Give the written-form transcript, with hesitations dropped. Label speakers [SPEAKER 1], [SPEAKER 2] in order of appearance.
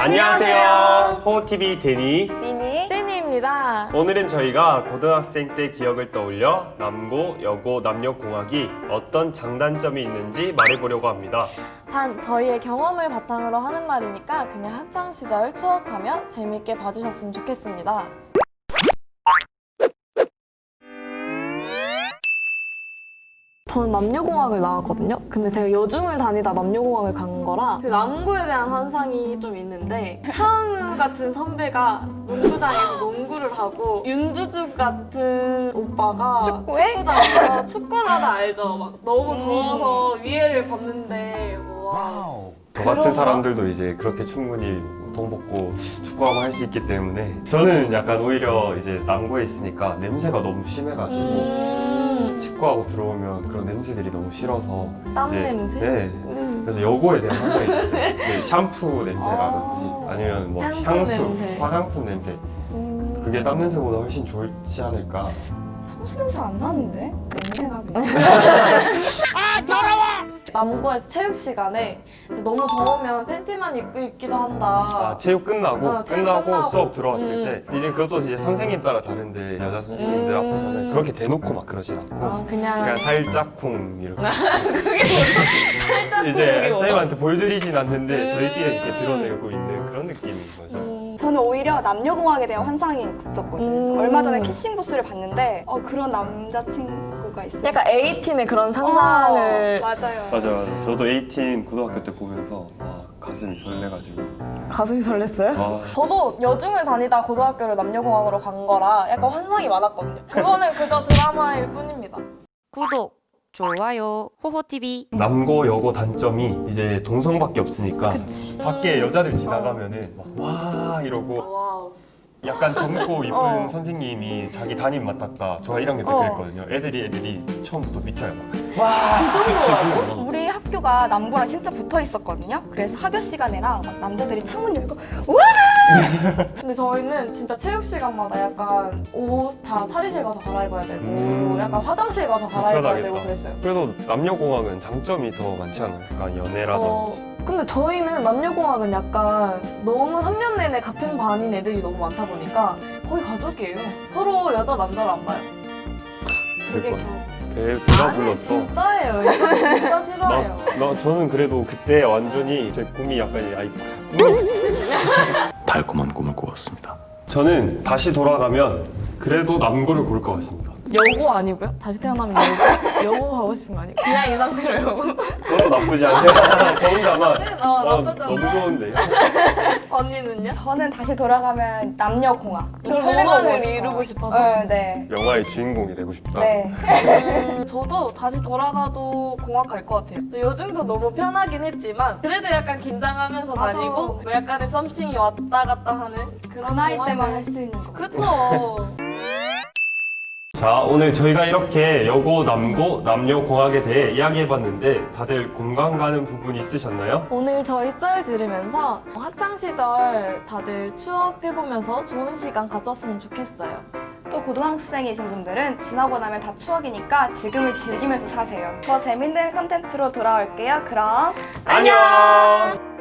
[SPEAKER 1] 안녕하세요. 호호TV 데니,
[SPEAKER 2] 미니,
[SPEAKER 3] 제니입니다.
[SPEAKER 1] 오늘은 저희가 고등학생 때 기억을 떠올려 남고, 여고, 남녀공학이 어떤 장단점이 있는지 말해보려고 합니다.
[SPEAKER 3] 단 저희의 경험을 바탕으로 하는 말이니까 그냥 학창시절 추억하며 재밌게 봐주셨으면 좋겠습니다. 저는 남녀공학을 나왔거든요. 근데 제가 여중을 다니다 남녀공학을 간 거라 그 남고에 대한 환상이 좀 있는데 차은우 같은 선배가 농구장에서 농구를 하고 윤두주 같은 오빠가
[SPEAKER 2] 축구해?
[SPEAKER 3] 축구장에서 축구를 하다 알죠? 막 너무 더워서 위에를 벗는데 와.
[SPEAKER 1] 저 같은 사람들도 이제 그렇게 충분히 돈 벗고 축구하고 할 수 있기 때문에 저는 약간 오히려 이제 남고에 있으니까 냄새가 너무 심해가지고 치과하고 들어오면 그런 냄새들이 너무 싫어서
[SPEAKER 3] 땀
[SPEAKER 1] 이제,
[SPEAKER 3] 냄새?
[SPEAKER 1] 네. 그래서 여고에 대한 환상이 있었어요. 네, 샴푸 냄새라든지 아니면 뭐
[SPEAKER 3] 향수
[SPEAKER 1] 향수,
[SPEAKER 3] 냄새.
[SPEAKER 1] 화장품 냄새 그게 땀 냄새보다 훨씬 좋지 않을까.
[SPEAKER 2] 향수 냄새 안 나는데? 냄새나 그냥.
[SPEAKER 3] 남고에서 체육 시간에 이제 너무 더우면 팬티만 입고 있기도 한다.
[SPEAKER 1] 아, 체육 끝나고
[SPEAKER 3] 체육 끝나고.
[SPEAKER 1] 수업 들어왔을 때 이제 그것도 이제 선생님 따라 다른데 여자 선생님들 앞에서는 그렇게 대놓고 막 그러진 않고
[SPEAKER 3] 아
[SPEAKER 1] 그냥
[SPEAKER 3] 그냥
[SPEAKER 1] 살짝 쿵 이렇게
[SPEAKER 3] 그게 뭐죠? 살짝
[SPEAKER 1] 이제
[SPEAKER 3] 그게 뭐죠?
[SPEAKER 1] 쌤한테 보여드리진 않는데 저희끼리 이렇게 드러내고 있는 그런 느낌인 거죠.
[SPEAKER 2] 저는 오히려 남녀공학에 대한 환상이 있었거든요. 얼마 전에 키싱 부스를 봤는데 그런 남자친구가 있어요.
[SPEAKER 3] 약간 에이틴의 그런 상상을
[SPEAKER 2] 맞아요.
[SPEAKER 1] 맞아. 저도 18 고등학교 때 보면서 와, 가슴이 설레가지고
[SPEAKER 3] 가슴이 설렜어요?
[SPEAKER 1] 와,
[SPEAKER 3] 저도 여중을 다니다 고등학교를 남녀공학으로 간 거라 약간 환상이 많았거든요. 그거는 그저 드라마일 뿐입니다.
[SPEAKER 4] 구독, 좋아요, 호호TV.
[SPEAKER 1] 남고 여고 단점이 이제 동성밖에 없으니까
[SPEAKER 3] 그치.
[SPEAKER 1] 밖에 여자들 지나가면은 막 와 이러고
[SPEAKER 3] 와우.
[SPEAKER 1] 약간 젊고 이쁜
[SPEAKER 2] 어.
[SPEAKER 1] 선생님이 자기 담임 맡았다. 저가 1학년 때
[SPEAKER 2] 어.
[SPEAKER 1] 그랬거든요. 애들이 처음부터 미쳐요. 와, 박수 치고.
[SPEAKER 2] 우리 학교가 남고랑 진짜 붙어 있었거든요. 그래서 학교 시간에랑 막 남자들이 창문 열고
[SPEAKER 3] 근데 저희는 진짜 체육 시간마다 약간 옷 다 탈의실 가서 갈아입어야 되고 약간 화장실 가서 갈아입어야 되고
[SPEAKER 1] 불편하겠다.
[SPEAKER 3] 그랬어요.
[SPEAKER 1] 그래도 남녀공학은 장점이 더 많지 않아요? 약간 연애라든지.
[SPEAKER 3] 근데 저희는 남녀공학은 약간 너무 3년 내내 같은 반인 애들이 너무 많다 보니까 거의 가족이에요. 서로 여자 남자를 안 봐요.
[SPEAKER 2] 그게
[SPEAKER 1] 그거.
[SPEAKER 2] 겨우
[SPEAKER 1] 배가
[SPEAKER 3] 아니
[SPEAKER 1] 불렀어.
[SPEAKER 3] 진짜예요. 이거 진짜 싫어해요.
[SPEAKER 1] 저는 그래도 그때 완전히 제 꿈이 약간 꿈이
[SPEAKER 5] 달콤한 꿈을 꾸었습니다.
[SPEAKER 1] 저는 다시 돌아가면 그래도 남고를 고를 것 같습니다.
[SPEAKER 3] 여고 아니고요? 다시 태어나면 여고? 여고 가고 싶은 거 아니에요? 그냥 이 상태로 여고.
[SPEAKER 1] 그것도 나쁘지 않아요. 저 혼자만
[SPEAKER 3] 나쁘지
[SPEAKER 1] 너무
[SPEAKER 3] 않아.
[SPEAKER 1] 좋은데.
[SPEAKER 3] 언니는요?
[SPEAKER 2] 저는 다시 돌아가면 남녀공학.
[SPEAKER 3] 로망을 이루고 싶어서.
[SPEAKER 2] 네.
[SPEAKER 1] 영화의 주인공이 되고 싶다.
[SPEAKER 2] 네.
[SPEAKER 3] 저도 다시 돌아가도 공학 갈 것 같아요. 요즘도 너무 편하긴 했지만 그래도 약간 긴장하면서
[SPEAKER 2] 맞아.
[SPEAKER 3] 다니고 뭐 약간의 썸씽이 왔다 갔다 하는
[SPEAKER 2] 그
[SPEAKER 3] 그런
[SPEAKER 2] 나이
[SPEAKER 3] 공학을-
[SPEAKER 2] 때만 할 수 있는 거.
[SPEAKER 3] 그쵸.
[SPEAKER 1] 자, 오늘 저희가 이렇게 여고, 남고, 남녀공학에 대해 이야기해봤는데 다들 공감 가는 부분 있으셨나요?
[SPEAKER 3] 오늘 저희 썰 들으면서 학창시절 다들 추억해보면서 좋은 시간 가졌으면 좋겠어요.
[SPEAKER 2] 또 고등학생이신 분들은 지나고 나면 다 추억이니까 지금을 즐기면서 사세요. 더 재밌는 컨텐츠로 돌아올게요. 그럼
[SPEAKER 1] 안녕!